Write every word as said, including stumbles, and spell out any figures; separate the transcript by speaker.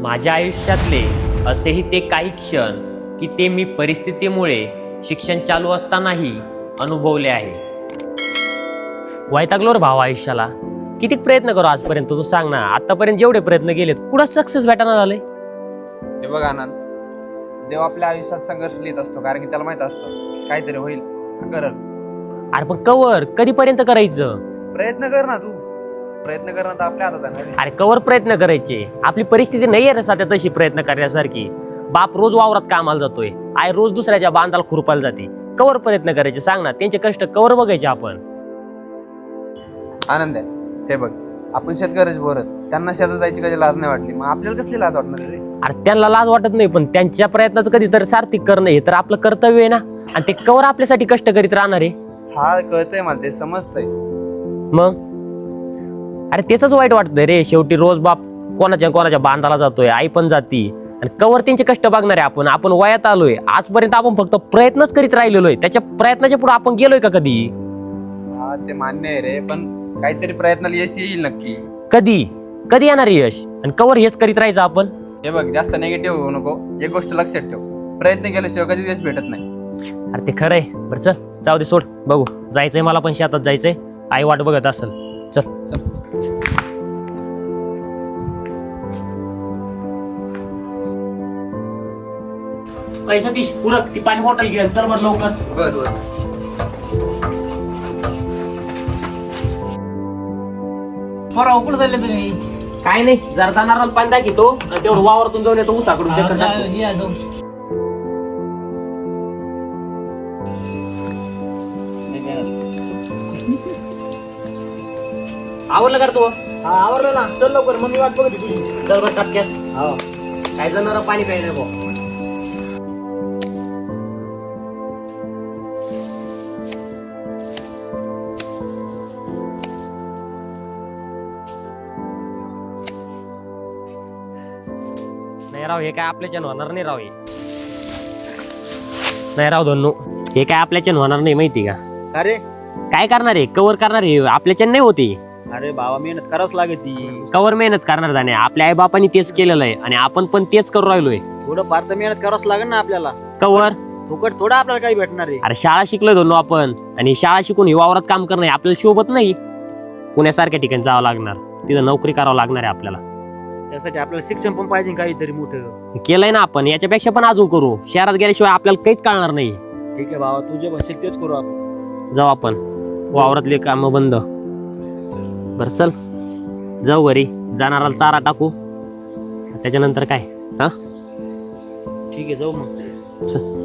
Speaker 1: माझ्या आयुष्यातले असेही ते काही क्षण की ते मी परिस्थितीमुळे शिक्षण चालू असतानाही अनुभवले आहे. वैतागलो रे भाव आयुष्याला. किती प्रयत्न करू आजपर्यंत तू सांग ना. आतापर्यंत जेवढे प्रयत्न केलेत कुठं सक्सेस भेटाना झाले.
Speaker 2: हे बघ आनंद, देव आपल्या आयुष्यात संघर्ष लिहित असतो, कारण की त्याला माहित असतं काहीतरी होईल, करल.
Speaker 1: अरे पण कवर कधीपर्यंत करायचं.
Speaker 2: प्रयत्न कर ना, तू प्रयत्न करणं तर आपल्या हातात आहे.
Speaker 1: अरे कवर प्रयत्न करायचे. आपली परिस्थिती नाही आहे रे सध्या तशी प्रयत्न करण्यासारखी. बाप रोज वावरात कामाला जातोय, आई रोज दुसऱ्याच्या बांधाला खुरपायला जाते. कवर प्रयत्न करायचे सांग ना. त्यांचे कष्ट कवर बघायचे आपण.
Speaker 2: आनंद आहे, हे बघ, आपण शेतकऱ्याच बोरत, त्यांना शेतात जायची कधी लाज नाही वाटली, मग आपल्याला कसली लाज वाटणार रे.
Speaker 1: अरे त्यांना लाज वाटत नाही, पण त्यांच्या प्रयत्नाचं कधीतरी सार्थक करणं हे तर आपलं कर्तव्य आहे ना. आणि ते कवर आपल्यासाठी कष्ट करीत राहणार आहे.
Speaker 2: हा कळतंय मला, ते समजतंय.
Speaker 1: मग अरे तेच वाईट वाटतंय रे. शेवटी रोज बाप कोणाच्या कोणाच्या बांधाला जातोय, आई पण जाती, आणि कवर त्यांचे कष्ट बघणार आहे आपण. आपण वयात आलोय, आजपर्यंत आपण फक्त प्रयत्नच करीत राहिलेलो आहे. त्याच्या प्रयत्नाच्या पुढे आपण गेलोय का कधी.
Speaker 2: हा ते मान्य आहे रे, पण काहीतरी प्रयत्नाला यश येईल नक्की.
Speaker 1: कधी कधी येणार यश, आणि कवर हेच करीत राहायचं आपण.
Speaker 2: हे बघ, जास्त निगेटिव्ह होऊ नको. एक गोष्ट लक्षात ठेव, प्रयत्न केल्याशिवाय कधी यश भेटत नाही.
Speaker 1: अरे ते खरंय. बरं चल, जाऊ दे, सोड. बघू, जायचंय मला पण शेतात जायचंय. आई वाट बघत असेल. चल
Speaker 2: चल.
Speaker 1: पैसा तीस उरक ती पाणी बॉटल घे. चल बरं लवकर.
Speaker 2: बर बर.
Speaker 3: बरं कुठं चालले तुम्ही?
Speaker 1: काय नाही, जरा जाणार पाणी दाखवतो, तेवढं वावरातून जाऊन येतो उसाकडून चक्कर टाकतो.
Speaker 3: या जाऊ.
Speaker 1: आवडलं का रे तू.
Speaker 3: हा आवरलं ना, चल लवकर, मम्मी वाट बघत होती तुझी.
Speaker 1: चल बरं टपक्यास.
Speaker 3: हो.
Speaker 1: काय जाणार पाणी प्यायला भाऊ. नाही राव, हे काय आपल्याच्यान होणार नाही राव. हे नाही राव धन्नू, हे काय आपल्याच्यान होणार नाही माहिती का.
Speaker 3: अरे
Speaker 1: काय करणार आहे, कवर करणार आहे, आपल्याच्यान नाही होती.
Speaker 3: अरे बाबा, मेहनत करावंच लागेल ती.
Speaker 1: कवर मेहनत करणार जाणे. आपल्या आई बापांनी तेच केलेलं आहे आणि आपण पण तेच करू राहिलोय.
Speaker 3: थोडं फार तर मेहनत करावंच लागेल ना आपल्याला.
Speaker 1: कवर
Speaker 3: फुकट थोडं आपल्याला काही भेटणार आहे.
Speaker 1: अरे शाळा शिकलोय धन्नू आपण, आणि शाळा शिकून ही वावरात काम करणं आपल्याला शोभत नाही. पुण्यासारख्या ठिकाणी जावं लागणार, तिथं नोकरी करावं लागणार आहे आपल्याला.
Speaker 3: त्यासाठी आपल्याला शिक्षण पण पाहिजे काहीतरी मोठं.
Speaker 1: केलंय ना आपण, याच्यापेक्षा पण अजून करू. शहरात गेल्याशिवाय आपल्याला काहीच कळणार नाही.
Speaker 3: ठीक आहे बाबा, तू जे म्हणशील तेच करू आपण.
Speaker 1: जाऊ आपण, वावरातले काम बंद. बर चल जाऊ घरी. जाणाराला चारा टाकू, त्याच्यानंतर काय. हा
Speaker 3: ठीक आहे, जाऊ मग.
Speaker 1: चल.